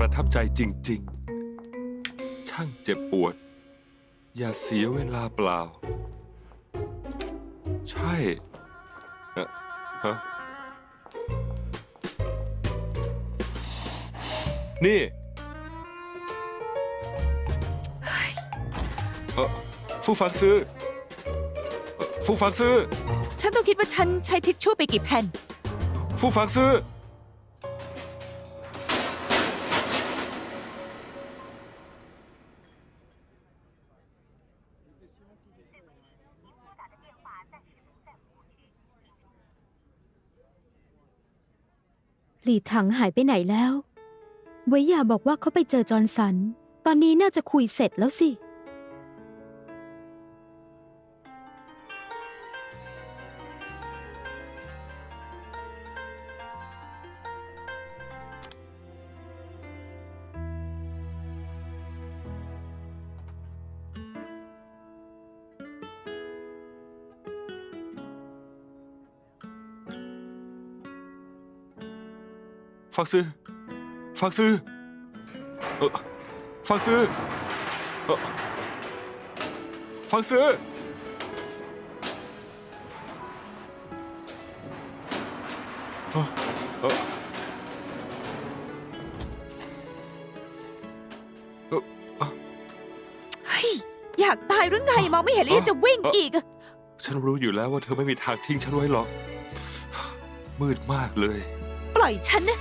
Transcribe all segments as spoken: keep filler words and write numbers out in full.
ประทับใจจริงๆช่างเจ็บปวดอย่าเสียเวลาเปล่าใช่เอ่อฮะนี่เออฟู่ฟังซื้อเอ่อฟู่ฟังซื้อฉันต้องคิดว่าฉันใช้ทิชชู่ไปกี่แผ่นฟู่ฟังซื้อหลี่ถังหายไปไหนแล้วเวยหย่าบอกว่าเขาไปเจอจอห์นสันตอนนี้น่าจะคุยเสร็จแล้วสิฟังซื้อฟังซื้อเออฟังซื้อเออฟังซื้อเออเออเออเฮ้ยอยากตายหรือไงมองไม่เห็นแล้วยังจะวิ่งอีกอะฉันรู้อยู่แล้วว่าเธอไม่มีทางทิ้งฉันไว้หรอกมืดมากเลยปล่อยฉันนะ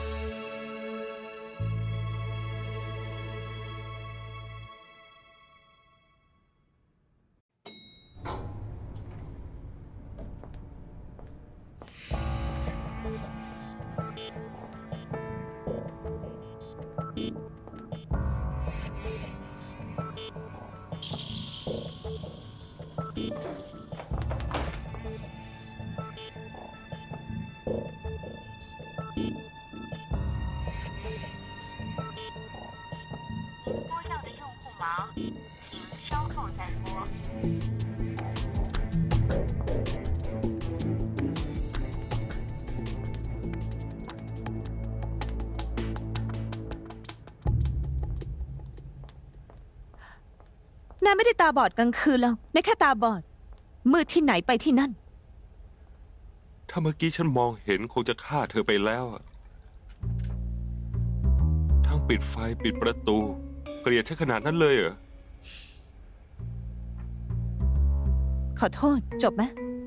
นายไม่ได้ตาบอดกลางคืนแล้วนายแค่ตาบอดมืดที่ไหนไปที่นั่นถ้าเมื่อกี้ฉันมองเห็นคงจะฆ่าเธอไปแล้วทั้งปิดไฟปิดประตูเกลียดฉันขนาดนั้นเลยเหรอขอโทษจบไหม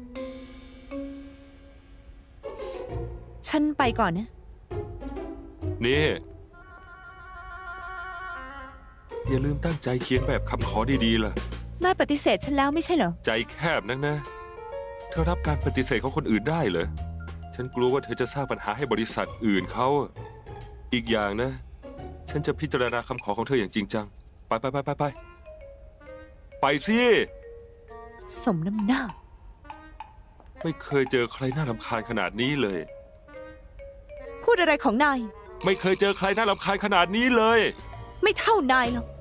ฉันไปก่อนนะนี่อย่าลืมตั้งใจเขียนแบบคำขอดีๆล่ะนายปฏิเสธฉันแล้วไม่ใช่เหรอใจแคบนักนะเธอรับการปฏิเสธของคนอื่นได้เหรอฉันกลัวว่าเธอจะสร้างปัญหาให้บริษัทอื่นเขาอีกอย่างนะฉันจะพิจารณาคำขอของเธออย่างจริงจังไปไปไปไปไปไปสิสมน้ำหน้าไม่เคยเจอใครน่ารำคาญขนาดนี้เลยพูดอะไรของนายไม่เคยเจอใครน่ารำคาญขนาดนี้เลยไม่เท่านายหรอก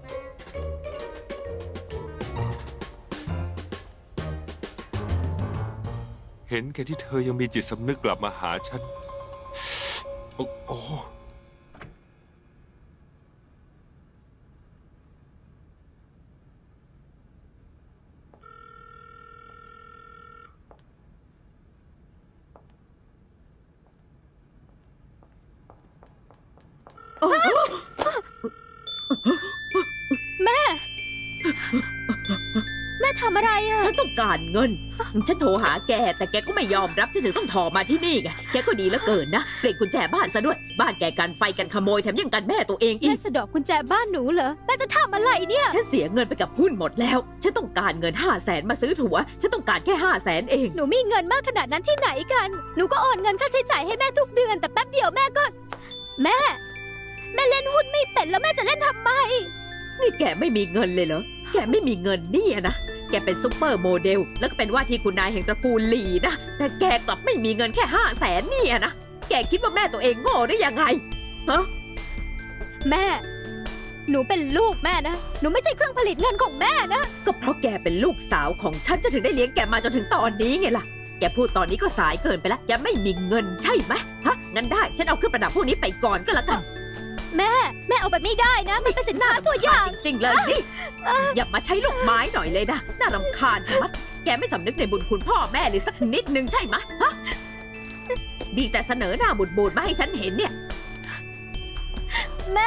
เห็นแค่ที่เธอยังมีจิตสำนึกกลับมาหาฉันโอ้โอ้แม่แม่ทำอะไรอะฉันต้องการเงินฉันโทรหาแกแต่แกก็ไม่ยอมรับฉันถึงต้องถอมาที่นี่ไงแกก็ดีเหลือเกินนะเปลี่ยนกุญแจบ้านซะด้วยบ้านแกกันไฟกันขโมยแถมยังกันแม่ตัวเองอีกแม่สะดอกกุญแจบ้านหนูเหรอแม่จะทำอะไรเนี่ยฉันเสียเงินไปกับหุ้นหมดแล้วฉันต้องการเงินห้าแสนมาซื้อถั่วฉันต้องการแค่ห้าแสนเองหนูมีเงินมากขนาดนั้นที่ไหนกันหนูก็โอนเงินค่าใช้จ่ายให้แม่ทุกเดือนแต่แป๊บเดียวแม่ก็แม่แม่เล่นหุ้นไม่เป็นแล้วแม่จะเล่นทำไมนี่แกไม่มีเงินเลยเหรอแกไม่มีเงินนี่นะแกเป็นซุปเปอร์โมเดลแล้วก็เป็นว่าที่คุณนายแห่งตระกูลหลี่นะแต่แกกลับไม่มีเงินแค่ห้าแสนนี่นะแกคิดว่าแม่ตัวเองโง่ได้ยังไงฮะแม่หนูเป็นลูกแม่นะหนูไม่ใช่เครื่องผลิตเงินของแม่นะก็เพราะแกเป็นลูกสาวของฉันจะถึงได้เลี้ยงแกมาจนถึงตอนนี้ไงล่ะแกพูดตอนนี้ก็สายเกินไปแล้วแกไม่มีเงินใช่ไหมฮะงั้นได้ฉันเอาเครื่องประดับพวกนี้ไปก่อนก็แล้วกันแม่แม่เอาไปไม่ได้นะ มันเป็นสินค้าตัวอย่างจริงๆเลยนี่ อย่ามาใช้ลูกไม้หน่อยเลยนะ น่ารำคาญชะมัด แกไม่สำนึกในบุญคุณพ่อแม่เลยสักนิดนึงใช่ไหมฮะ ดีแต่เสนอหน้าบูดบูดๆมาให้ฉันเห็นเนี่ยแม่